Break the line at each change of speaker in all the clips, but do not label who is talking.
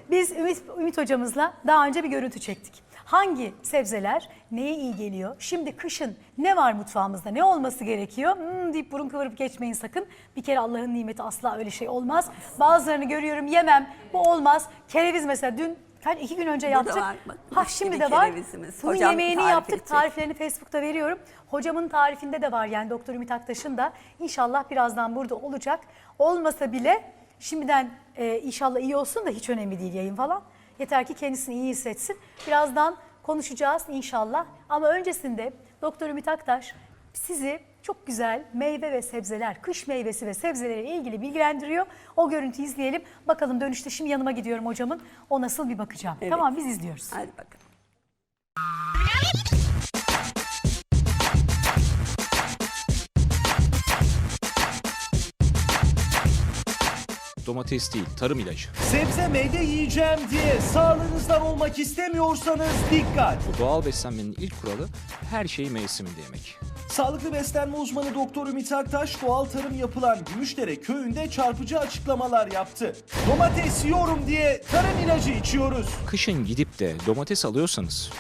Biz Ümit hocamızla daha önce bir görüntü çektik. Hangi sebzeler neye iyi geliyor? Şimdi kışın ne var mutfağımızda? Ne olması gerekiyor? Deyip burun kıvırıp geçmeyin sakın. Bir kere Allah'ın nimeti, asla öyle şey olmaz. Bazılarını görüyorum, yemem, bu olmaz. Kereviz mesela dün 2 gün önce yaptık.
Var,
Şimdi de var. Bunun
Hocam
yemeğini
tarif
yaptık.
edecek.
Tariflerini Facebook'ta veriyorum. Hocamın tarifinde de var, yani Doktor Ümit Aktaş'ın da. İnşallah birazdan burada olacak. Olmasa bile şimdiden inşallah iyi olsun da hiç önemli değil yayın falan. Yeter ki kendisini iyi hissetsin. Birazdan konuşacağız inşallah. Ama öncesinde Doktor Ümit Aktaş sizi çok güzel meyve ve sebzeler, kış meyvesi ve sebzeleriyle ilgili bilgilendiriyor. O görüntüyü izleyelim. Bakalım dönüşte şimdi yanıma gidiyorum hocamın. O nasıl bir bakacağım.
Evet.
Tamam, biz izliyoruz.
Hadi bakalım.
Domates değil, tarım ilacı.
Sebze meyve yiyeceğim diye sağlığınızdan olmak istemiyorsanız dikkat.
Bu doğal beslenmenin ilk kuralı her şeyi mevsiminde yemek.
Sağlıklı beslenme uzmanı Doktor Ümit Aktaş doğal tarım yapılan Gümüşdere köyünde çarpıcı açıklamalar yaptı. Domates yiyorum diye tarım ilacı içiyoruz.
Kışın gidip de domates alıyorsanız,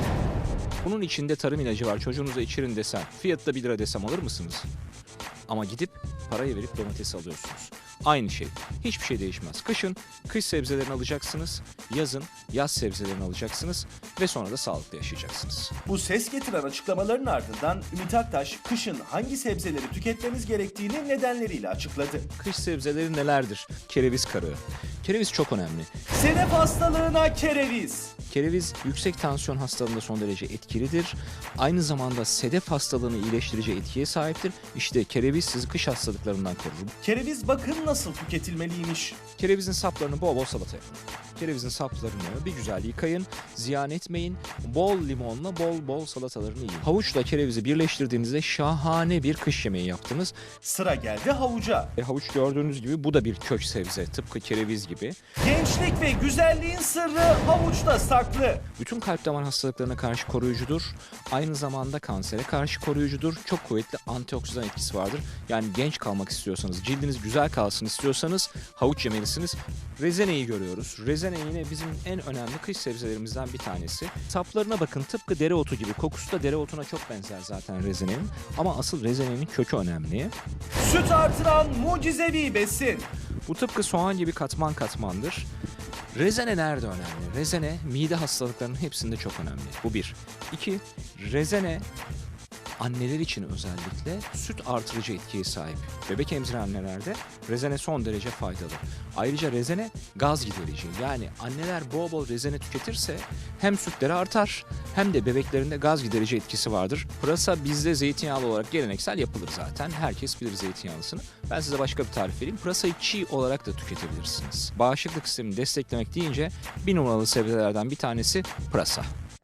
bunun içinde tarım ilacı var, çocuğunuza içirin desem, fiyatı da 1 lira desem alır mısınız? Ama gidip parayı verip domates alıyorsunuz. Aynı şey. Hiçbir şey değişmez. Kışın kış sebzelerini alacaksınız, yazın yaz sebzelerini alacaksınız ve sonra da sağlıklı yaşayacaksınız.
Bu ses getiren açıklamaların ardından Ümit Aktaş kışın hangi sebzeleri tüketmemiz gerektiğini nedenleriyle açıkladı.
Kış sebzeleri nelerdir? Kereviz karığı. Kereviz çok önemli.
Sedef hastalığına kereviz.
Kereviz yüksek tansiyon hastalığında son derece etkilidir. Aynı zamanda sedef hastalığını iyileştirici etkiye sahiptir. İşte kereviz sizi kış hastalıklarından korur.
Kereviz bakın nasıl tüketilmeliymiş.
Kerevizin saplarını bol bol salata yapın. Kerevizin saplarını bir güzel yıkayın, ziyan etmeyin. Bol limonla bol bol salatalarını yiyin. Havuçla kerevizi birleştirdiğinizde şahane bir kış yemeği yaptınız.
Sıra geldi havuca.
Havuç gördüğünüz gibi bu da bir kök sebze, tıpkı kereviz gibi.
Gençlik ve güzelliğin sırrı havuçta saklı.
Bütün kalp damar hastalıklarına karşı koruyucudur. Aynı zamanda kansere karşı koruyucudur. Çok kuvvetli antioksidan etkisi vardır. Yani genç kalmak istiyorsanız, cildiniz güzel kalsın istiyorsanız havuç yemelisiniz. Rezeneyi görüyoruz. Rezene yine bizim en önemli kış sebzelerimizden bir tanesi. Saplarına bakın, tıpkı dereotu gibi. Kokusu da dereotuna çok benzer zaten rezenenin. Ama asıl rezenenin kökü önemli.
Süt artıran mucizevi besin.
Bu tıpkı soğan gibi katman katmandır. Rezene nerede önemli? Rezene mide hastalıklarının hepsinde çok önemli. Bu bir. İki, rezene anneler için özellikle süt artırıcı etkiye sahip. Bebek emziren annelerde rezene son derece faydalı. Ayrıca rezene gaz giderici. Yani anneler bol bol rezene tüketirse hem sütleri artar hem de bebeklerinde gaz giderici etkisi vardır. Pırasa bizde zeytinyağlı olarak geleneksel yapılır zaten. Herkes bilir zeytinyağlısını. Ben size başka bir tarif vereyim. Pırasayı çiğ olarak da tüketebilirsiniz. Bağışıklık sistemini desteklemek deyince bir numaralı sebzelerden bir tanesi pırasa.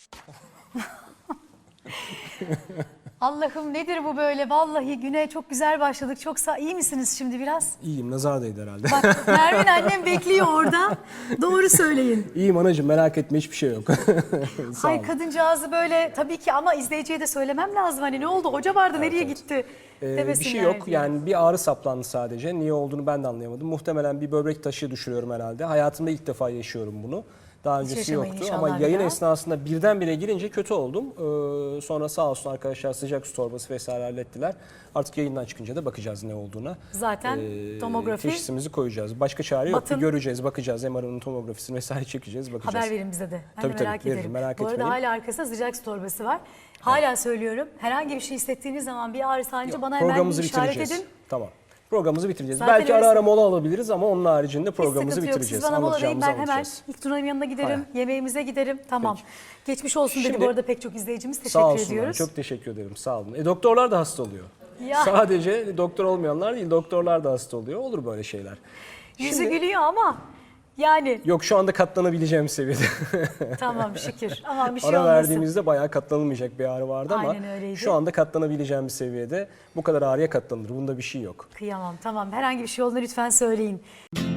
Allah'ım nedir bu böyle? Vallahi güne çok güzel başladık. Çok iyi misiniz şimdi biraz?
İyiyim, nazar değdi herhalde.
Bak Nermin annem bekliyor orada. Doğru söyleyin.
İyiyim anacığım, merak etme, hiçbir şey yok. Sağ
Hay
ol.
kadıncağızı böyle tabii ki, ama izleyiciye de söylemem lazım. Hani ne oldu? Hoca vardı, nereye gitti?
Bir
Demesinler
şey yok
diye.
yani, bir ağrı saplandı sadece. Niye olduğunu ben de anlayamadım. Muhtemelen bir böbrek taşı düşürüyorum herhalde. Hayatımda ilk defa yaşıyorum bunu. Daha öncesi
yaşamayın
yoktu
inşallah
ama
bir
yayın
daha.
esnasında birdenbire girince kötü oldum. Sonra sağ olsun arkadaşlar sıcak su torbası vesaire hallettiler. Artık yayından çıkınca da bakacağız ne olduğuna.
Zaten tomografi.
Teşhisimizi koyacağız. Başka çare yok.
Batın.
Bir göreceğiz, bakacağız. MR'ın tomografisini vesaire çekeceğiz, bakacağız.
Haber verin bize de. Ben
Tabii,
de
tabii,
merak
veririm,
ederim.
merak
Bu arada
etmeyin.
hala arkasında sıcak su torbası var. Hala söylüyorum. Herhangi bir şey hissettiğiniz zaman, bir ağrı sancı, bana hemen
Programımızı
bir işaret
bitireceğiz.
edin.
Tamam. Programımızı bitireceğiz.
Zaten
Belki
öyle-
ara ara mola alabiliriz ama onun haricinde
Hiç
programımızı
sıkıntı yok.
bitireceğiz.
Siz bana mola verin, ben hemen
anlatacağız.
ilk Tuna'nın yanına giderim.
Hayır.
Yemeğimize giderim. Tamam. Geçmiş olsun dedi
Şimdi-
bu arada pek çok izleyicimiz.
Sağ
Teşekkür
olsunlar.
ediyoruz.
Çok teşekkür ederim. Sağ olun. Doktorlar da hasta oluyor.
Ya.
Sadece doktor olmayanlar değil, doktorlar da hasta oluyor. Olur böyle şeyler.
Yüzü
Şimdi-
gülüyor ama yani
Yok, şu anda katlanabileceğim seviyede.
tamam şükür. Aman bir şey
Ara
olmasın.
verdiğimizde bayağı katlanılmayacak bir ağrı vardı ama
Aynen öyleydi.
şu anda katlanabileceğim bir seviyede. Bu kadar ağrıya katlanılır. Bunda bir şey yok.
Kıyamam, tamam. Herhangi bir şey olduğunda lütfen söyleyin.